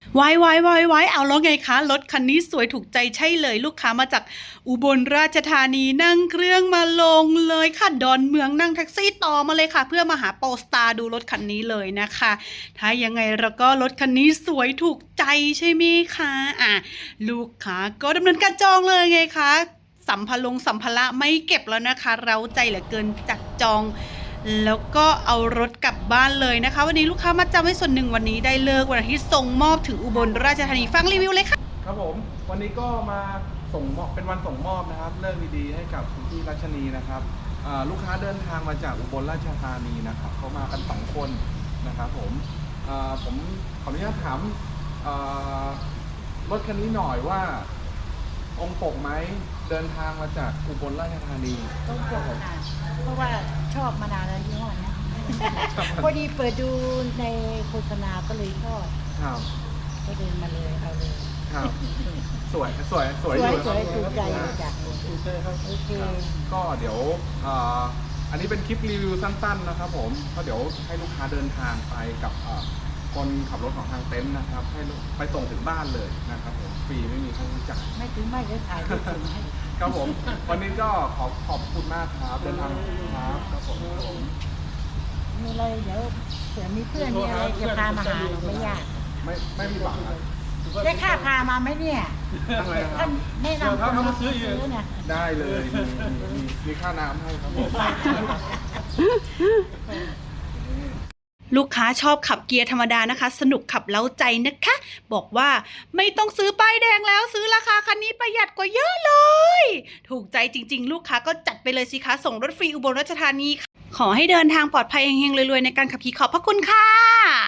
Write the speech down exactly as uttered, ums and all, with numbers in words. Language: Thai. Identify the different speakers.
Speaker 1: ไว้ไว้ไว้ไว้เอาแล้วไงคะรถคันนี้สวยถูกใจใช่เลยลูกค้ามาจากอุบลราชธานีนั่งเครื่องมาลงเลยค่ะดอนเมืองนั่งแท็กซี่ต่อมาเลยค่ะเพื่อมาหาโปสตาร์ดูรถคันนี้เลยนะคะถ้ายังไงเราก็รถคันนี้สวยถูกใจใช่ไหมคะอ่ะลูกค้าก็ดำเนินการจองเลยไงคะสัมภาระสัมภาระไม่เก็บแล้วนะคะเราใจเหลือเกินจัดจองแล้วก็เอารถกลับบ้านเลยนะคะวันนี้ลูกค้ามาจำไว้ส่วนหนึ่งวันนี้ได้เลิกวันอาทิตย์ส่งมอบถึงอุบลราชธานีฟังรีวิวเลยค่ะ
Speaker 2: ครับผมวันนี้ก็มาส่งมอบเป็นวันส่งมอบนะครับเลิกดีๆให้กับคุณพี่รัชนีนะครับลูกค้าเดินทางมาจากอุบลราชธานีนะครับเขามากันสองคนนะครับผมผมขออนุญาตถามรถคันนี้หน่อยว่าตรงปกไหมเดินทางมาจากอุบลราชธานี
Speaker 3: ตรงปกค่ะเพราะว่าชอบมานานแล้วยี่ห้อนี้พอดีเปิดดูในโฆษณาก็เลยชอบ
Speaker 2: ครับ
Speaker 3: ก็เดินมาเลยเอาเลย
Speaker 2: ครับสวยสวยสวย
Speaker 3: สวยสวยถูกใจจากโอเค
Speaker 2: ก็เดี๋ยวอันนี้เป็นคลิปรีวิวสั้นๆนะครับผมก็เดี๋ยวให้ลูกค้าเดินทางไปกับคนขับรถของทางเต็นท์นะครับให้ไปส่งถึงบ้านเลยนะครับผมฟรีไม่มีค่าใช้จ่าย
Speaker 3: ไม่ถึงไม่ได้ถ่ายได้ถึงให้
Speaker 2: ครับผมวันนี้ก็ขอขอบคุณมากครับเดินทางครับครับผม
Speaker 3: มีอะไรเดี๋ยวเผื่อมีเพื่อนมีอะไรจะพามาหาไม่ยาก
Speaker 2: ไม่ไม่มีหวังครับ
Speaker 3: ได้ค่าพามาไหมเนี่ย
Speaker 2: อะไรครับ
Speaker 3: แนะนำคนมาซื้อเนี่ย
Speaker 2: ได้เลยมีมีค่าน้ำให้ครับผม
Speaker 1: ลูกค้าชอบขับเกียร์ธรรมดานะคะสนุกขับเล้าใจนะคะบอกว่าไม่ต้องซื้อป้ายแดงแล้วซื้อราคาคันนี้ประหยัดกว่าเยอะเลยถูกใจจริงๆลูกค้าก็จัดไปเลยสิคะส่งรถฟรีอุบลราชธานีขอให้เดินทางปลอดภัยเฮงๆรวยๆในการขับขี่ขอบพระคุณค่ะ